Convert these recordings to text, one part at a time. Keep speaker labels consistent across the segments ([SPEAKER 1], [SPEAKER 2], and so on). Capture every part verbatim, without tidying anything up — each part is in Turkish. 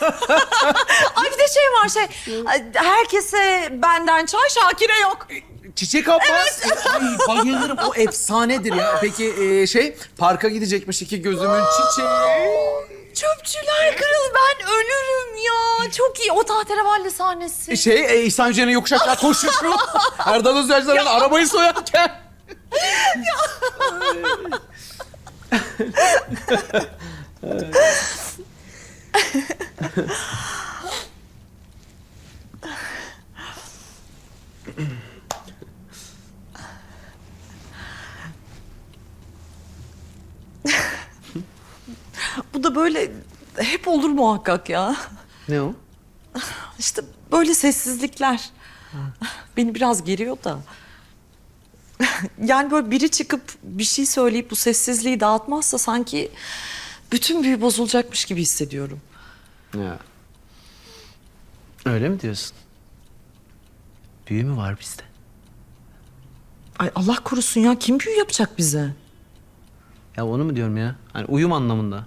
[SPEAKER 1] Ay bir de şey var şey. Herkese benden çay, Şakir'e yok.
[SPEAKER 2] Çiçek Abbas. Ay, bayılırım. O efsanedir ya. Peki e, şey parka gidecekmiş iki gözümün çiçeği.
[SPEAKER 1] Çöpçüler kralı, ben ölürüm ya. Çok iyi o tahterevalli sahnesi.
[SPEAKER 2] E, Şey e, İhsan Hücre'nin yokuş aşağı koşuşu. Erdal Özyaşlar'ın arabayı soyarken.
[SPEAKER 1] Bu da böyle hep olur muhakkak ya.
[SPEAKER 2] Ne o?
[SPEAKER 1] İşte böyle sessizlikler. Beni biraz geriyor da. Yani böyle biri çıkıp bir şey söyleyip bu sessizliği dağıtmazsa sanki bütün büyü bozulacakmış gibi hissediyorum.
[SPEAKER 2] Ya. Öyle mi diyorsun? Büyü mü var bizde?
[SPEAKER 1] Ay Allah korusun ya, kim büyü yapacak bize?
[SPEAKER 2] Ya onu mu diyorum ya? Hani uyum anlamında.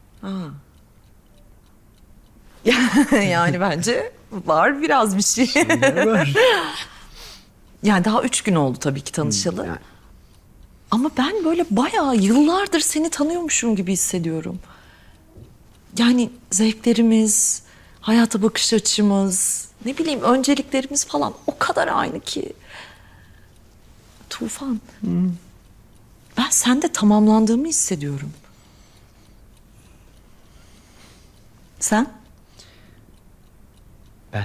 [SPEAKER 1] Yani bence var biraz bir şey.
[SPEAKER 2] Var.
[SPEAKER 1] Yani daha üç gün oldu tabii ki tanışalı.
[SPEAKER 2] Yani.
[SPEAKER 1] Ama ben böyle bayağı yıllardır seni tanıyormuşum gibi hissediyorum. Yani zevklerimiz, hayata bakış açımız, ne bileyim önceliklerimiz falan o kadar aynı ki. Tufan, ben sende tamamlandığımı hissediyorum. Sen?
[SPEAKER 2] Ben.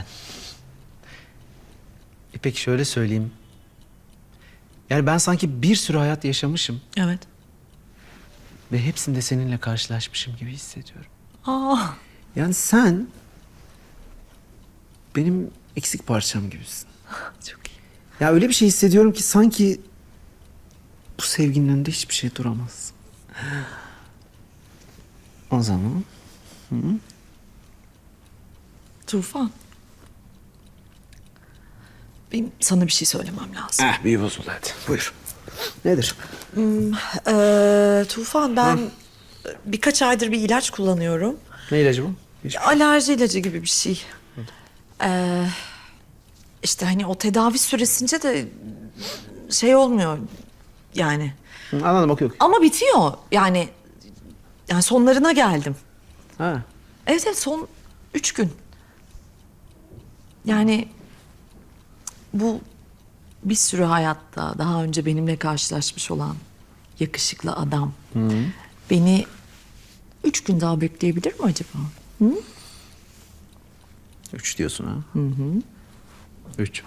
[SPEAKER 2] E peki şöyle söyleyeyim. Yani ben sanki bir sürü hayat yaşamışım
[SPEAKER 1] Evet.
[SPEAKER 2] ve hepsinde seninle karşılaşmışım gibi hissediyorum.
[SPEAKER 1] Aa,
[SPEAKER 2] Yani sen benim eksik parçam gibisin.
[SPEAKER 1] çok iyi.
[SPEAKER 2] Ya öyle bir şey hissediyorum ki sanki bu sevginin önünde hiçbir şey duramaz. O zaman
[SPEAKER 1] Tufan. Benim sana bir şey söylemem lazım.
[SPEAKER 2] eh büyü bozuldu hadi. Buyur. Nedir?
[SPEAKER 1] Ee, Tufan, ben birkaç aydır bir ilaç kullanıyorum.
[SPEAKER 2] Ne ilacı bu? Hiç...
[SPEAKER 1] Alerji ilacı gibi bir şey. Ee, işte hani o tedavi süresince de şey olmuyor yani.
[SPEAKER 2] Hı, anladım, okey okey.
[SPEAKER 1] Ama bitiyor yani. Yani sonlarına geldim.
[SPEAKER 2] Ha.
[SPEAKER 1] Evet evet, son üç gün. Yani bu bir sürü hayatta daha önce benimle karşılaşmış olan yakışıklı adam beni üç gün daha bekleyebilir mi acaba?
[SPEAKER 2] Üç diyorsun ha? Hı hı. Üç.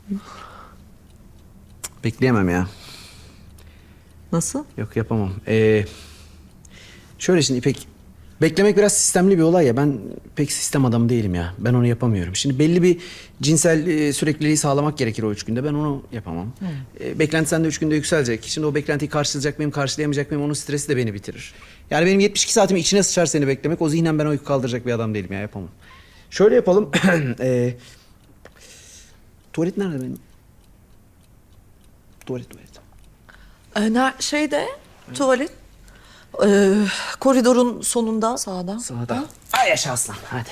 [SPEAKER 2] Bekleyemem ya.
[SPEAKER 1] Nasıl?
[SPEAKER 2] Yok yapamam. Ee, şöyle şimdi İpek, beklemek biraz sistemli bir olay ya. Ben pek sistem adamı değilim ya. Ben onu yapamıyorum. Şimdi belli bir cinsel e, sürekliliği sağlamak gerekir o üç günde. Ben onu yapamam. E, beklenti sende üç günde yükselecek. Şimdi o beklentiyi karşılayacak mıyım, karşılayamayacak mıyım? Onun stresi de beni bitirir. Yani benim yetmiş iki saatimi içine sıçar seni beklemek. O zihnen ben o yükü kaldıracak bir adam değilim ya. Yapamam. Şöyle yapalım. e, tuvalet nerede benim? Tuvalet, tuvalet.
[SPEAKER 1] Ee, ner- şeyde tuvalet ee, koridorun sonunda sağda.
[SPEAKER 2] Sağda.
[SPEAKER 1] Ha?
[SPEAKER 2] Ay yaşa aslan. Hadi.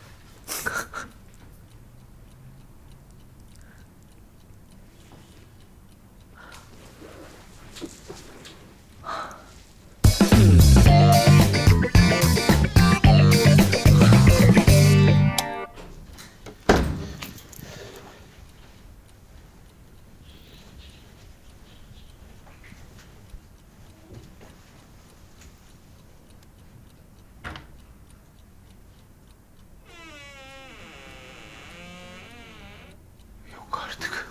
[SPEAKER 2] Yok artık.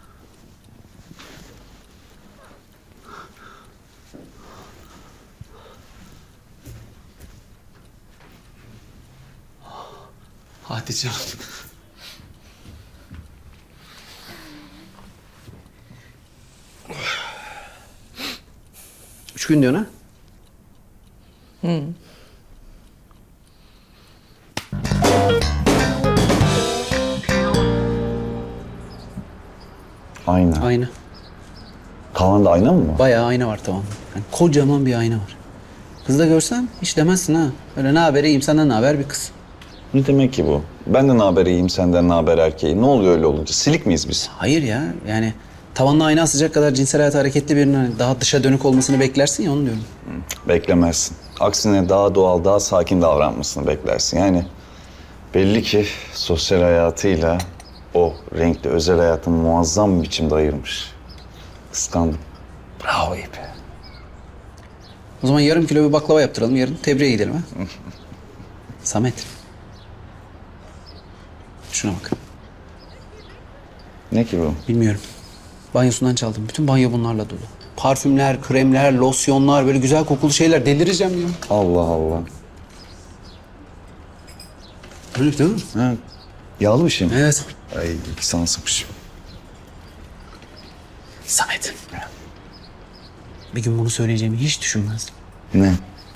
[SPEAKER 2] Hadi canım. Üç gün diyorsun ha?
[SPEAKER 3] Ayna.
[SPEAKER 2] Ayna.
[SPEAKER 3] Tavanda ayna mı var?
[SPEAKER 2] Bayağı ayna var tamam. Yani kocaman bir ayna var. Kız da görsen hiç demezsin ha. Öyle ne haber iyiyim, senden ne haber bir kız.
[SPEAKER 3] Ne demek ki bu? Ben de ne haber iyiyim, senden ne haber erkeği. Ne oluyor öyle olunca? Silik miyiz biz?
[SPEAKER 2] Hayır ya yani tavanla ayna asacak kadar cinsel hayatı hareketli birinin hani daha dışa dönük olmasını beklersin ya onu diyorum.
[SPEAKER 3] Beklemezsin. Aksine daha doğal, daha sakin davranmasını beklersin. Yani belli ki sosyal hayatıyla o renkli özel hayatını muazzam bir biçimde ayırmış. Kıskandım. Bravo İpe.
[SPEAKER 2] O zaman yarım kilo bir baklava yaptıralım yarın tebriğe gidelim ha. Samet. Şuna bak.
[SPEAKER 3] Ne ki bu?
[SPEAKER 2] Bilmiyorum. Banyosundan çaldım. Bütün banyo bunlarla dolu. Parfümler, kremler, losyonlar, böyle güzel kokulu şeyler. Delireceğim ya.
[SPEAKER 3] Allah Allah.
[SPEAKER 2] Öyle değil mi?
[SPEAKER 3] Ha, yağlı bir şey mi?
[SPEAKER 2] Evet.
[SPEAKER 3] Ay sana sıkmış.
[SPEAKER 2] Samet. Bir gün bunu söyleyeceğimi hiç düşünmezdim.
[SPEAKER 3] Ne?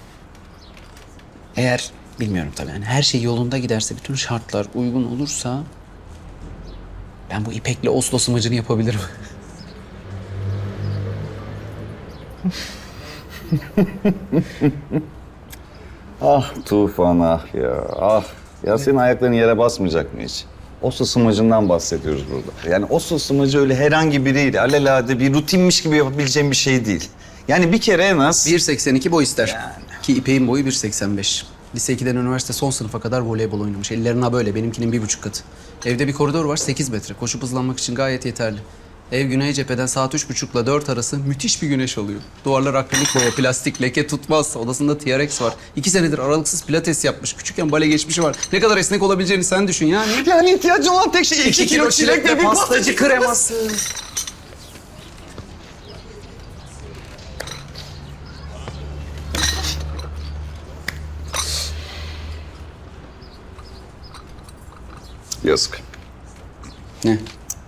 [SPEAKER 2] Eğer bilmiyorum tabii yani her şey yolunda giderse, bütün şartlar uygun olursa ben bu İpek'le Oslo sımacını yapabilirim.
[SPEAKER 3] Ah Tufan ah ya ah. Ya senin ayakların yere basmayacak mı hiç? Oslo sımacından bahsediyoruz burada. Yani Oslo sımacı öyle herhangi biriyle alelade bir rutinmiş gibi yapabileceğim bir şey değil. Yani bir kere en az...
[SPEAKER 2] bir seksen iki boy ister. Ki İpek'in boyu bir seksen beş. Lise ikiden üniversite son sınıfa kadar voleybol oynamış. Ellerine böyle, benimkinin bir buçuk katı. Evde bir koridor var, sekiz metre. Koşup hızlanmak için gayet yeterli. Ev güney cepheden saat üç buçukla dört arası müthiş bir güneş alıyor. Duvarlar akrilik boya, plastik, leke tutmaz. Odasında T R X var. İki senedir aralıksız pilates yapmış. Küçükken bale geçmişi var. Ne kadar esnek olabileceğini sen düşün yani.
[SPEAKER 3] Yani ihtiyacın olan tek şey iki, kilo çilek ve bir pastacı
[SPEAKER 2] kreması.
[SPEAKER 3] Yazık.
[SPEAKER 2] Ne?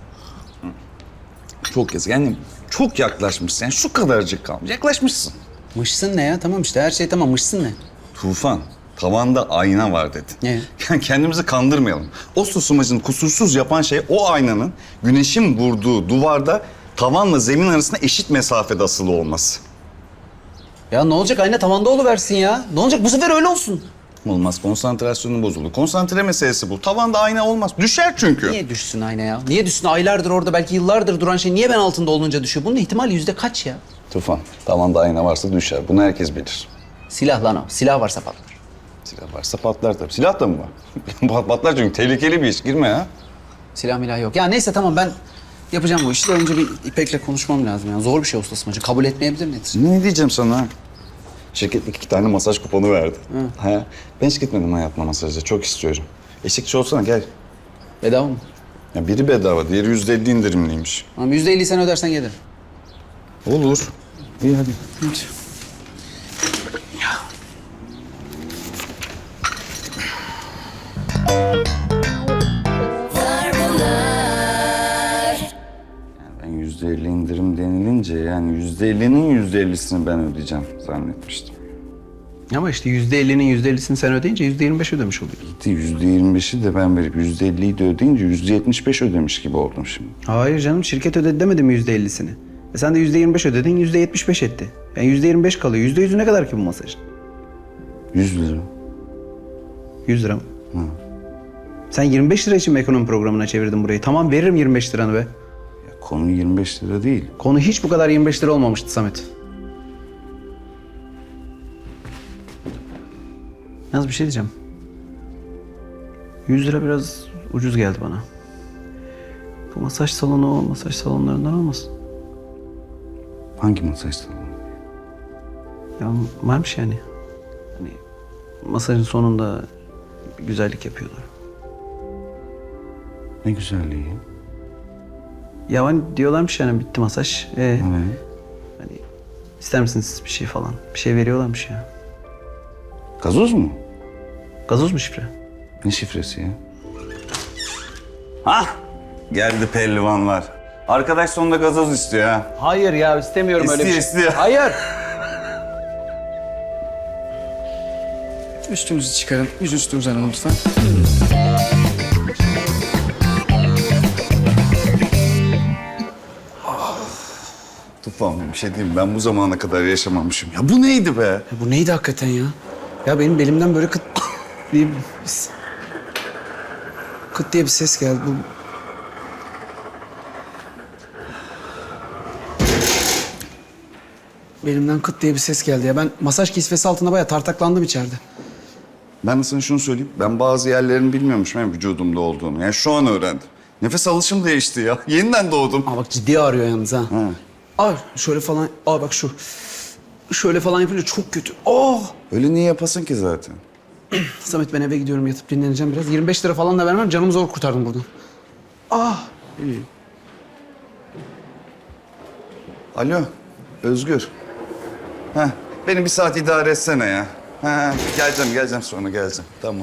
[SPEAKER 3] Çok yazık. Yani çok yaklaşmışsın. Yani şu kadarcık kalmış. Yaklaşmışsın.
[SPEAKER 2] Mışsın ne ya? Tamam işte her şey tamam. Mışsın ne?
[SPEAKER 3] Tufan, tavanda ayna var dedin.
[SPEAKER 2] Ne?
[SPEAKER 3] Yani kendimizi kandırmayalım. O susmacını kusursuz yapan şey o aynanın güneşin vurduğu duvarda tavanla zemin arasında eşit mesafede asılı olması.
[SPEAKER 2] Ya ne olacak ayna tavanda oluversin ya. Ne olacak bu sefer öyle olsun.
[SPEAKER 3] Olmaz, konsantrasyonu bozuldu. Konsantre meselesi bu. Tavanda ayna olmaz. Düşer çünkü.
[SPEAKER 2] Niye düşsün ayna ya? Niye düşsün? Aylardır orada belki yıllardır duran şey niye ben altında olunca düşüyor? Bunun ihtimali yüzde kaç ya?
[SPEAKER 3] Tufan, tavanda ayna varsa düşer. Bunu herkes bilir.
[SPEAKER 2] Silah lan o. Silah varsa patlar.
[SPEAKER 3] Silah varsa patlar tabii. Silah da mı var? Pat- Patlar çünkü tehlikeli bir iş. Girme ya.
[SPEAKER 2] Silah milah yok. Ya neyse tamam ben yapacağım bu işi de önce bir İpek'le konuşmam lazım. Yani zor bir şey ustasımacı. Kabul etmeyebilir nedir?
[SPEAKER 3] Ne diyeceğim sana? Şirket iki tane masaj kuponu verdi. Ha, ben hiç gitmedim hayatıma masaja. Çok istiyorum. Eşlikçi olsana gel.
[SPEAKER 2] Bedava mı?
[SPEAKER 3] Ya biri bedava, diğeri yüzde elli indirimliymiş.
[SPEAKER 2] Tamam yüzde elli sen ödersen gelirim.
[SPEAKER 3] Olur. İyi hadi. Ben yüzde elli indirim denilince yani yüzde ellinin yüzde ellisini ben ödeyeceğim zannetmiştim.
[SPEAKER 2] Ama işte yüzde ellinin yüzde ellisini sen ödeyince yüzde yirmi beş ödemiş oluyorsun.
[SPEAKER 3] yüzde yirmi beşi de ben verip yüzde elliyi de ödeyince yüzde yetmiş beş ödemiş gibi oldum şimdi.
[SPEAKER 2] Hayır canım şirket ödedi demedi mi yüzde ellisini? E sen de yüzde yirmi beş ödedin yüzde yetmiş beş etti. Yani yüzde yirmi beş kalıyor. Yüzde yüzü ne kadar ki bu masajın?
[SPEAKER 3] yüz lira.
[SPEAKER 2] Yüz lira mı? Sen yirmi beş lira için mi ekonomi programına çevirdin burayı? Tamam veririm yirmi beş liranı be.
[SPEAKER 3] Ya konu yirmi beş lira değil.
[SPEAKER 2] Konu hiç bu kadar yirmi beş lira olmamıştı Samet. Yalnız bir şey diyeceğim. yüz lira biraz ucuz geldi bana. Bu masaj salonu o masaj salonlarından olmasın?
[SPEAKER 3] Hangi masaj salonu?
[SPEAKER 2] Ya varmış yani. Hani masajın sonunda bir güzellik yapıyorlar.
[SPEAKER 3] Ne güzelliği.
[SPEAKER 2] Ya hani diyorlarmış yani bitti masaj. Ee,
[SPEAKER 3] Evet.
[SPEAKER 2] hani ister misiniz bir şey falan? Bir şey veriyorlarmış ya.
[SPEAKER 3] Gazoz mu?
[SPEAKER 2] Gazoz mu şifre?
[SPEAKER 3] Ne şifresi ya? Hah! Geldi pehlivanlar. Arkadaş sonunda gazoz istiyor ha.
[SPEAKER 2] Hayır ya istemiyorum öyle bir
[SPEAKER 3] İstiyor,
[SPEAKER 2] şey.
[SPEAKER 3] istiyor.
[SPEAKER 2] Hayır.
[SPEAKER 4] Üstünüzü çıkarın. Yüz üstünüzden alın lütfen.
[SPEAKER 3] Tufan bir şey diyeyim mi? Ben bu zamana kadar yaşamamışım. Ya bu neydi be?
[SPEAKER 2] Ya bu neydi hakikaten ya? Ya benim belimden böyle kıt bir kıt diye bir ses geldi. Bu... Belimden kıt diye bir ses geldi ya. Ben masaj kisvesi altında bayağı tartaklandım içeride.
[SPEAKER 5] Ben de sana şunu söyleyeyim. Ben bazı yerlerini bilmiyormuşum yani vücudumda olduğunu. Yani şu an öğrendim. Nefes alışım değişti ya. Yeniden doğdum.
[SPEAKER 2] Aa bak ciddi ağrıyor yalnız ha.
[SPEAKER 5] Ha.
[SPEAKER 2] Aa şöyle falan. Aa bak şu. Şöyle falan yapınca çok kötü. Oh!
[SPEAKER 5] Öyle niye yapasın ki zaten?
[SPEAKER 2] Samet ben eve gidiyorum yatıp dinleneceğim biraz. yirmi beş lira falan da vermem. Canımı zor kurtardım buradan. Ah!
[SPEAKER 5] İyi. Alo, Özgür. Heh, beni bir saat idare etsene ya. Ha, geleceğim, geleceğim sonra geleceğim. Tamam.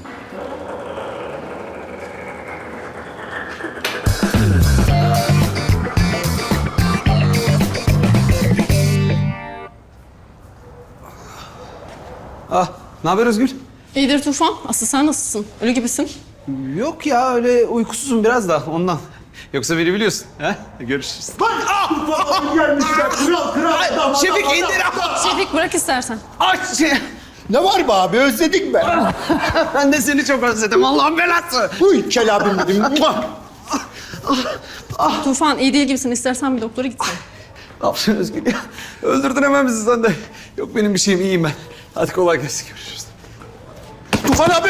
[SPEAKER 2] Ah! Ne haber Özgür?
[SPEAKER 6] İyidir Tufan. Aslı sen nasılsın? Ölü gibisin.
[SPEAKER 2] Yok ya öyle uykusuzum biraz da ondan. Yoksa beni biliyorsun. Ha? Görüşürüz. Bak! Ah!
[SPEAKER 7] Gelmişler kral kral. damat,
[SPEAKER 2] Şefik
[SPEAKER 7] damat.
[SPEAKER 2] indir!
[SPEAKER 6] Şefik bırak istersen.
[SPEAKER 2] Ay şey.
[SPEAKER 7] Ne var be abi özledik be.
[SPEAKER 2] Ben de seni çok özledim. Allah'ın belası.
[SPEAKER 7] Uy kel abim dedim. Muah!
[SPEAKER 6] Tufan iyi değil gibisin. İstersen bir doktora gitsin.
[SPEAKER 2] Ne yapıyorsun Özgür ya? Öldürdün hemen bizi sen de. Yok benim bir şeyim iyiyim ben. Hadi kolay gelsin görüşürüz.
[SPEAKER 7] Tufan abi.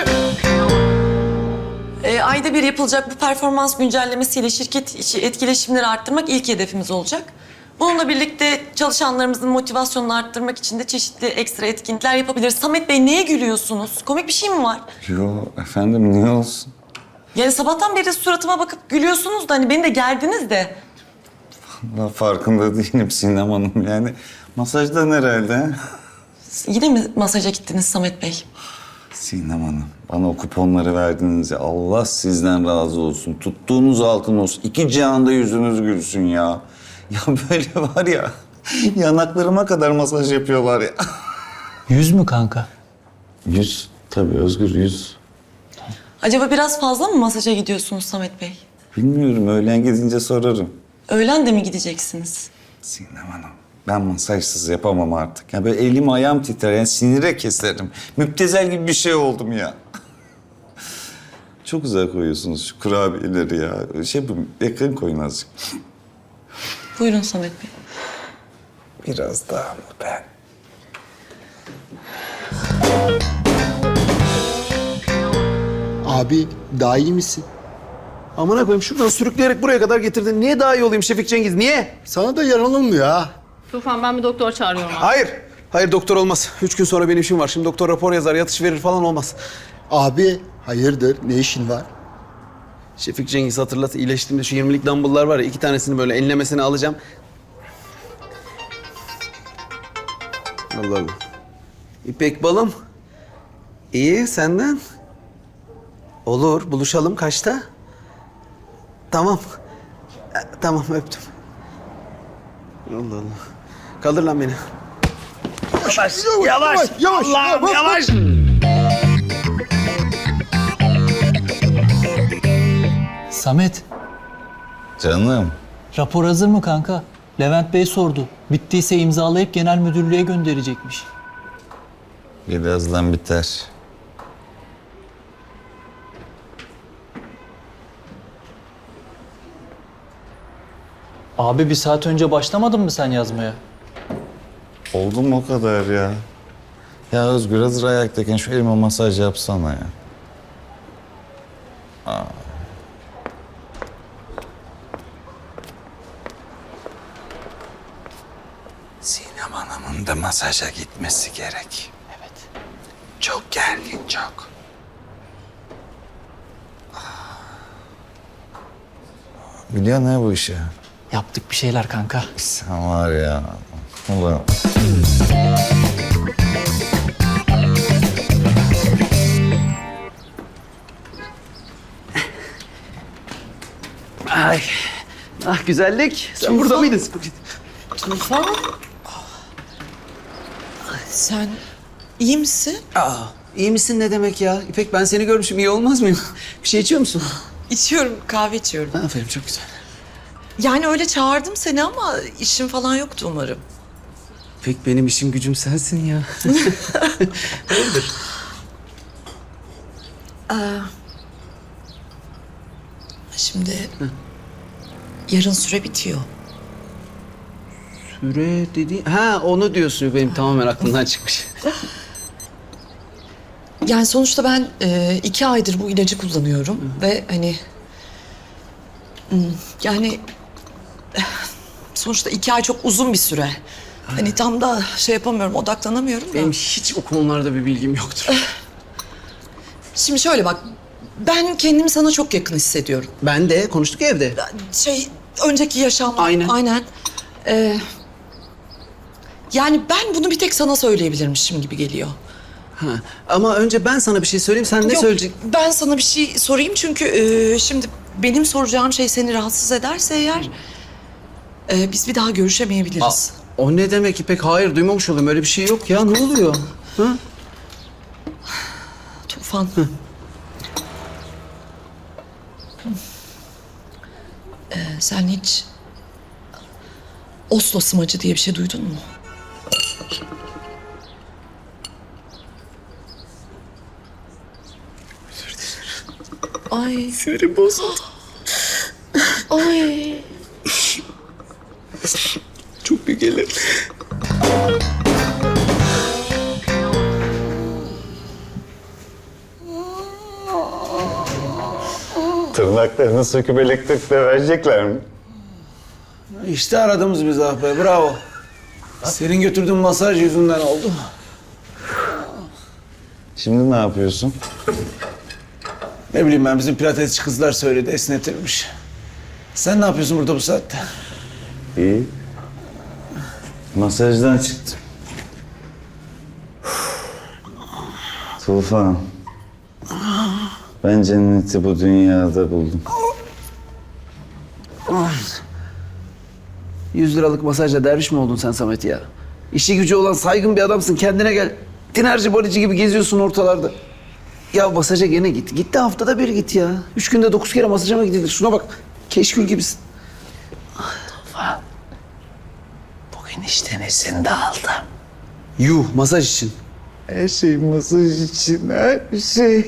[SPEAKER 1] Ee, ayda bir yapılacak bu performans güncellemesiyle şirket içi etkileşimleri arttırmak ilk hedefimiz olacak. Bununla birlikte çalışanlarımızın motivasyonunu arttırmak için de çeşitli ekstra etkinlikler yapabiliriz. Samet Bey neye gülüyorsunuz? Komik bir şey mi var?
[SPEAKER 3] Yo efendim niye olsun?
[SPEAKER 1] Yani sabahtan beri suratıma bakıp gülüyorsunuz da hani beni de gerdiniz de.
[SPEAKER 3] Ben farkında değilim Sinem Hanım yani. Masajdan herhalde.
[SPEAKER 1] Yine mi masaja gittiniz Samet Bey?
[SPEAKER 3] Sinem Hanım bana o kuponları verdiniz ya. Allah sizden razı olsun. Tuttuğunuz altın olsun. İki cihanda yüzünüz gülsün ya. Ya böyle var ya yanaklarıma kadar masaj yapıyorlar ya.
[SPEAKER 8] Yüz mü kanka?
[SPEAKER 3] Yüz tabii Özgür yüz.
[SPEAKER 1] Acaba biraz fazla mı masaja gidiyorsunuz Samet Bey?
[SPEAKER 3] Bilmiyorum öğlen gidince sorarım.
[SPEAKER 1] Öğlen de mi gideceksiniz?
[SPEAKER 3] Sinem Hanım ben masajsız yapamam artık. Ya böyle elim ayağım titrer yani sinire keserim. Müptezel gibi bir şey oldum ya. Çok güzel koyuyorsunuz şu kurabiyeleri ya. Şey bu yakın koyun azıcık.
[SPEAKER 1] Buyurun Samet Bey.
[SPEAKER 3] Biraz daha mı ben?
[SPEAKER 7] Abi daha iyi misin?
[SPEAKER 2] Amına koyayım şuradan sürükleyerek buraya kadar getirdin. Niye daha iyi olayım Şefik Cengiz? Niye?
[SPEAKER 7] Sana da yaranılmıyor ha.
[SPEAKER 6] Tufan ben bir doktor çağırıyorum abi.
[SPEAKER 2] Hayır. Hayır doktor olmaz. Üç gün sonra benim işim var. Şimdi doktor rapor yazar, yatış verir falan olmaz.
[SPEAKER 7] Abi hayırdır ne işin var?
[SPEAKER 2] Şefik Cengiz hatırlat. İyileştiğimde şu yirmilik dumbbell'lar var ya. İki tanesini böyle enlemesine alacağım. Allah Allah. İpek balım. İyi senden. Olur buluşalım kaçta? Tamam. E, tamam öptüm. Allah Allah. Kaldır lan beni.
[SPEAKER 7] Yavaş yavaş yavaş. Allah'ım yavaş.
[SPEAKER 8] Samet,
[SPEAKER 3] Canım.
[SPEAKER 8] rapor hazır mı kanka? Levent Bey sordu. Bittiyse imzalayıp genel müdürlüğe gönderecekmiş.
[SPEAKER 3] Birazdan biter.
[SPEAKER 8] Abi bir saat önce başlamadın mı sen yazmaya?
[SPEAKER 3] Oldu mu o kadar ya? Ya Özgür hazır ayaktayken şu elime masaj yapsana ya. Aa. Sinem Hanım'ın da masaja gitmesi gerek.
[SPEAKER 8] Evet.
[SPEAKER 3] Çok gergin çok. Biliyor ne bu işi?
[SPEAKER 8] Yaptık bir şeyler kanka.
[SPEAKER 3] Sen var ya. Ulan.
[SPEAKER 2] Ay. Ah güzellik. Sen burada mıydın?
[SPEAKER 1] Tufan. Sen iyi misin?
[SPEAKER 2] Aa, iyi misin ne demek ya? İpek ben seni görmüşüm. İyi olmaz mıyım? Bir şey içiyor musun?
[SPEAKER 1] İçiyorum, kahve içiyorum.
[SPEAKER 2] Aferin çok güzel.
[SPEAKER 1] Yani öyle çağırdım seni ama işin falan yoktu umarım.
[SPEAKER 2] İpek benim işim gücüm sensin ya.
[SPEAKER 1] Şimdi yarın süre bitiyor.
[SPEAKER 2] Süre dedi. Ha onu diyorsun. Benim tamamen aklımdan çıkmış.
[SPEAKER 1] Yani sonuçta ben e, iki aydır bu ilacı kullanıyorum ve hani hmm, yani eh, sonuçta iki ay çok uzun bir süre. Hani tam da şey yapamıyorum, odaklanamıyorum da.
[SPEAKER 2] Benim hiç o konularda bir bilgim yoktur.
[SPEAKER 1] Şimdi şöyle bak, ben kendimi sana çok yakın hissediyorum.
[SPEAKER 2] Ben de konuştuk ya evde.
[SPEAKER 1] Şey, önceki yaşam.
[SPEAKER 2] Aynen.
[SPEAKER 1] Aynen. Ee, yani ben bunu bir tek sana söyleyebilirmişim gibi geliyor.
[SPEAKER 2] Ha. Ama önce ben sana bir şey söyleyeyim. Sen ne
[SPEAKER 1] Yok,
[SPEAKER 2] söyleyeceksin?
[SPEAKER 1] ben sana bir şey sorayım çünkü e, şimdi benim soracağım şey seni rahatsız ederse eğer e, biz bir daha görüşemeyebiliriz.
[SPEAKER 2] O ne demek İpek? Hayır duymamış olayım. Öyle bir şey yok ya. Ne oluyor? Ha?
[SPEAKER 1] Tufan. Ee, sen hiç Oslo sımacı diye bir şey duydun mu? Ay.
[SPEAKER 2] Sinirim bozuldu.
[SPEAKER 1] Ay.
[SPEAKER 2] Çok büyük gelir.
[SPEAKER 3] Tırnaklarını söküp elektrikle verecekler mi?
[SPEAKER 2] İşte aradığımız biz ah be. Bravo. Senin götürdüğün masaj yüzünden oldu.
[SPEAKER 3] Şimdi ne yapıyorsun?
[SPEAKER 2] Ne bileyim ben bizim pilatesçi kızlar söyledi esnetirmiş. Sen ne yapıyorsun burada bu saatte?
[SPEAKER 3] İyi. Masajdan çıktım. Tufan. Ben cenneti bu dünyada buldum.
[SPEAKER 2] Yüz liralık masajla derviş mi oldun sen Samet ya? İşi gücü olan saygın bir adamsın. Kendine gel. Dinerci balici gibi geziyorsun ortalarda. Ya masaja gene git. Git de haftada bir git ya. Üç günde dokuz kere masaja mı gidilir? Şuna bak. Keşkül gibisin.
[SPEAKER 3] Bugün işte nesini de aldım.
[SPEAKER 2] Yuh masaj için.
[SPEAKER 3] Her şey masaj için, her şey.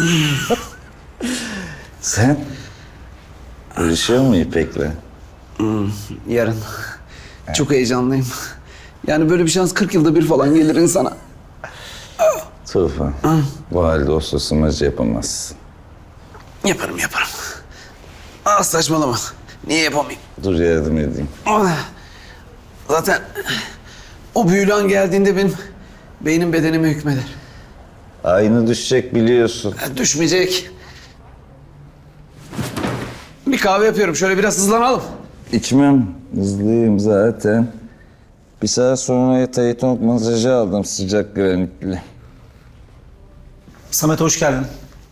[SPEAKER 3] Sen görüşüyor mu İpek'le?
[SPEAKER 2] Yarın. Çok heyecanlıyım. Yani böyle bir şans kırk yılda bir falan gelir insana.
[SPEAKER 3] Tufan, bu halde Oslo sımacı yapamazsın.
[SPEAKER 2] Yaparım yaparım. Ah saçmalama. Niye yapamayayım?
[SPEAKER 3] Dur yardım edeyim.
[SPEAKER 2] Ah, zaten o büyülü an geldiğinde benim beynim bedenime hükmeder.
[SPEAKER 3] Aynı düşecek biliyorsun.
[SPEAKER 2] Ya, düşmeyecek. Bir kahve yapıyorum. Şöyle biraz hızlanalım.
[SPEAKER 3] İçmem. Hızlıyım zaten. Bir saat sonra Tayton masajı aldım sıcak granitli.
[SPEAKER 9] Samet hoş geldin.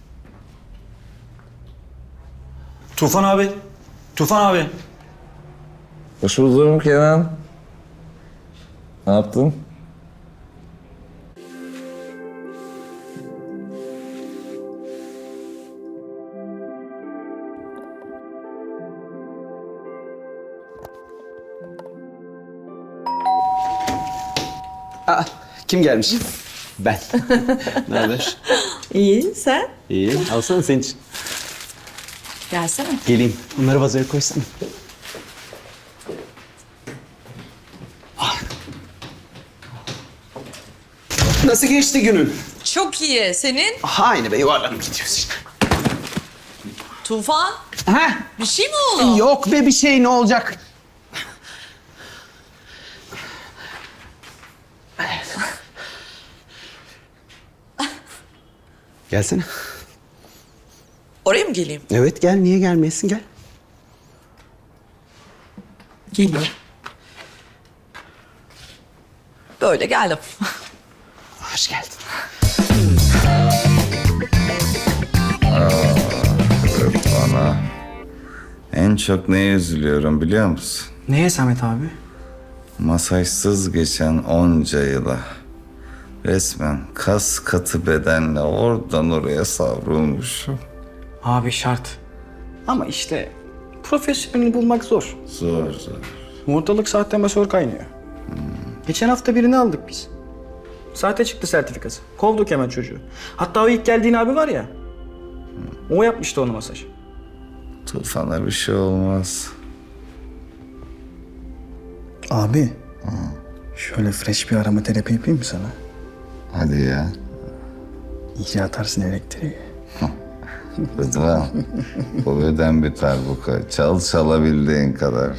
[SPEAKER 9] Tufan abi. Tufan abi.
[SPEAKER 3] Hoş buldum Kenan. Ne yaptın?
[SPEAKER 2] Aa, kim gelmiş? Ben. Ne haber?
[SPEAKER 1] İyi, sen?
[SPEAKER 2] İyi. Alsana senin için.
[SPEAKER 1] Gelsene.
[SPEAKER 2] Geleyim. Bunları vazoya koysana. Ah. Nasıl geçti günün?
[SPEAKER 1] Çok iyi. Senin?
[SPEAKER 2] Aynı be yuvarlanıp gidiyoruz işte.
[SPEAKER 1] Tufan.
[SPEAKER 2] Ha?
[SPEAKER 1] Bir şey mi oldu?
[SPEAKER 2] Yok be bir şey ne olacak? Gelsene.
[SPEAKER 1] Oraya mı geleyim?
[SPEAKER 2] Evet gel niye gelmeyesin gel.
[SPEAKER 1] Geliyorum. Böyle geldim.
[SPEAKER 2] Hoş geldin.
[SPEAKER 3] Bana en çok neye üzülüyorum biliyor musun?
[SPEAKER 9] Neye Samet abi?
[SPEAKER 3] Masajsız geçen onca yıla resmen kas katı bedenle oradan oraya savrulmuşum.
[SPEAKER 9] Abi şart. Ama işte profesyonelini bulmak zor.
[SPEAKER 3] Zor zor.
[SPEAKER 9] Ortalık sahte masör kaynıyor. Geçen hafta birini aldık biz. Sahte çıktı sertifikası. Kovduk hemen çocuğu. Hatta o ilk geldiğin abi var ya. O yapmıştı onu masaj.
[SPEAKER 5] Tufan'a bir şey olmaz.
[SPEAKER 9] Abi. Şöyle fresh bir arama terapi yapayım mı sana?
[SPEAKER 5] Hadi ya.
[SPEAKER 9] İyice atarsın elektriği.
[SPEAKER 5] Rıdvan, bu beden bir darbuka. Çal çalabildiğin kadar.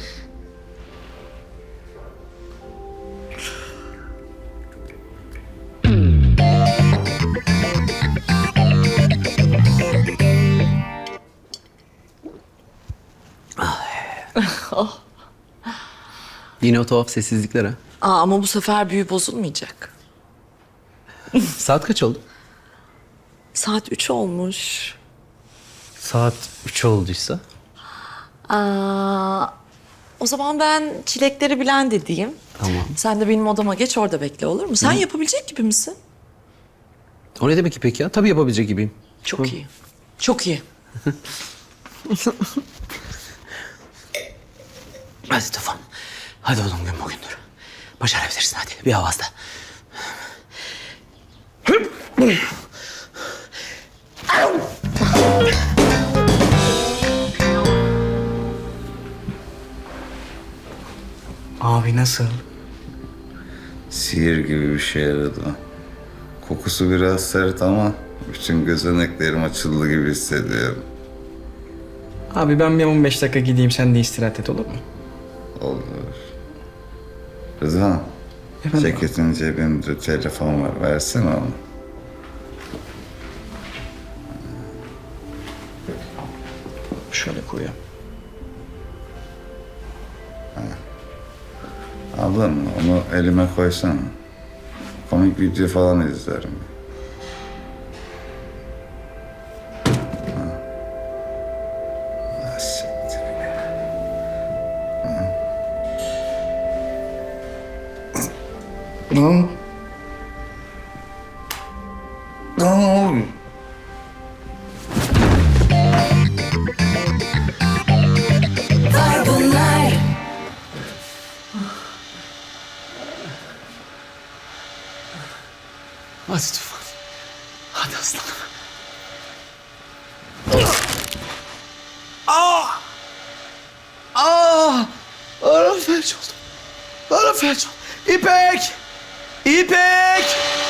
[SPEAKER 2] Yine o tuhaf sessizlikler ha.
[SPEAKER 1] Aa, ama bu sefer büyü bozulmayacak.
[SPEAKER 2] Saat kaç oldu?
[SPEAKER 1] Saat üç olmuş.
[SPEAKER 2] Saat üç olduysa.
[SPEAKER 1] Aa, o zaman ben çilekleri blend edeyim.
[SPEAKER 2] Tamam.
[SPEAKER 1] Sen de benim odama geç, orada bekle, olur mu? Sen yapabilecek gibi misin?
[SPEAKER 2] O ne demek ki peki ya? Tabii yapabilecek gibiyim.
[SPEAKER 1] Çok iyi. Çok iyi.
[SPEAKER 2] Hadi Tufan. Hadi oğlum gün bugündür. Başarabilirsin hadi. Bir avazda.
[SPEAKER 9] Abi nasıl?
[SPEAKER 5] Sihir gibi bir şey Rıdvan. Kokusu biraz sert ama bütün gözeneklerim açıldı gibi hissediyorum.
[SPEAKER 9] Abi ben bir on beş dakika gideyim, sen de istirahat et, olur mu?
[SPEAKER 5] Olur. Rıdvan,
[SPEAKER 9] Efendim?
[SPEAKER 5] ceketin cebinde telefon var. Versene onu.
[SPEAKER 9] Şöyle koyayım.
[SPEAKER 5] Aldın mı? Onu elime koysana. Komik video falan izlerim. Ha. Ah, siktir. Ha. Ne? Ne oluyor?
[SPEAKER 2] Hadi Tufan. Hadi aslanım. Aa! Aa! Ara felç oldum. Ara felç oldum. İpek! İpek!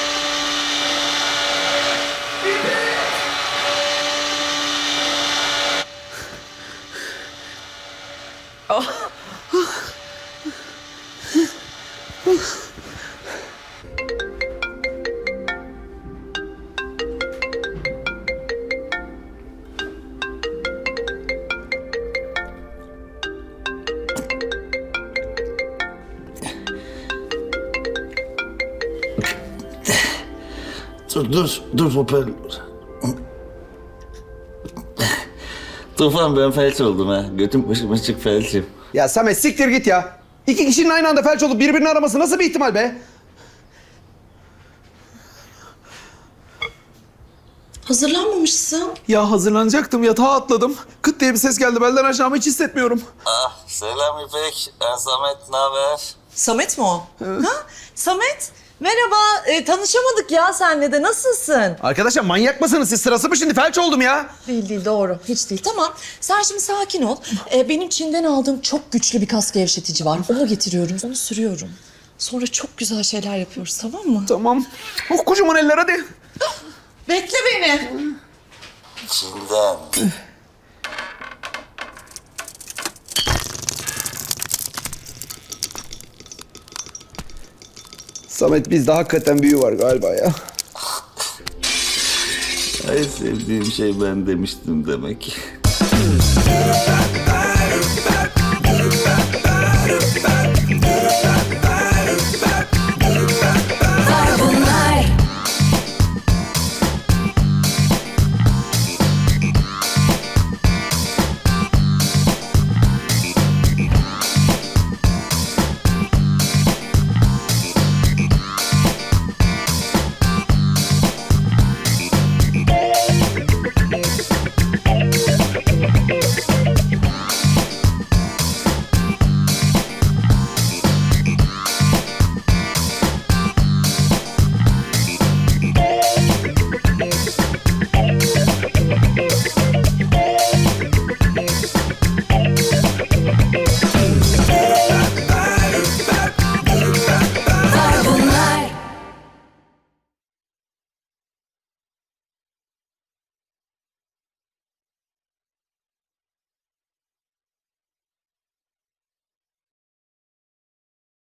[SPEAKER 10] Dur, dur, dur hoparlör. Tufan ben felç oldum ha. Götüm başım açık felçim.
[SPEAKER 2] Ya Samet siktir git ya. İki kişinin aynı anda felç olup birbirini araması nasıl bir ihtimal be?
[SPEAKER 1] Hazırlanmamışsın.
[SPEAKER 2] Ya hazırlanacaktım, yatağa atladım. Kıt diye bir ses geldi, belden aşağımı hiç hissetmiyorum.
[SPEAKER 10] Ah selam İpek. Ben Samet, ne haber?
[SPEAKER 1] Samet mi o? Ha? Samet, merhaba. Ee, tanışamadık ya senle de. Nasılsın?
[SPEAKER 2] Arkadaşlar manyak mısınız siz? Sırası mı şimdi? Felç oldum ya.
[SPEAKER 1] Değil değil, doğru. Hiç değil. Tamam. Sen şimdi sakin ol. Ee, benim Çin'den aldığım çok güçlü bir kas gevşetici var. Onu getiriyorum. Onu sürüyorum. Sonra çok güzel şeyler yapıyoruz, tamam mı?
[SPEAKER 2] Tamam. Oh kocaman eller hadi.
[SPEAKER 1] Bekle beni.
[SPEAKER 10] Çin'den.
[SPEAKER 2] Samet bizde hakikaten büyü var galiba ya.
[SPEAKER 10] Ay sevdiğim şey ben demiştim demek.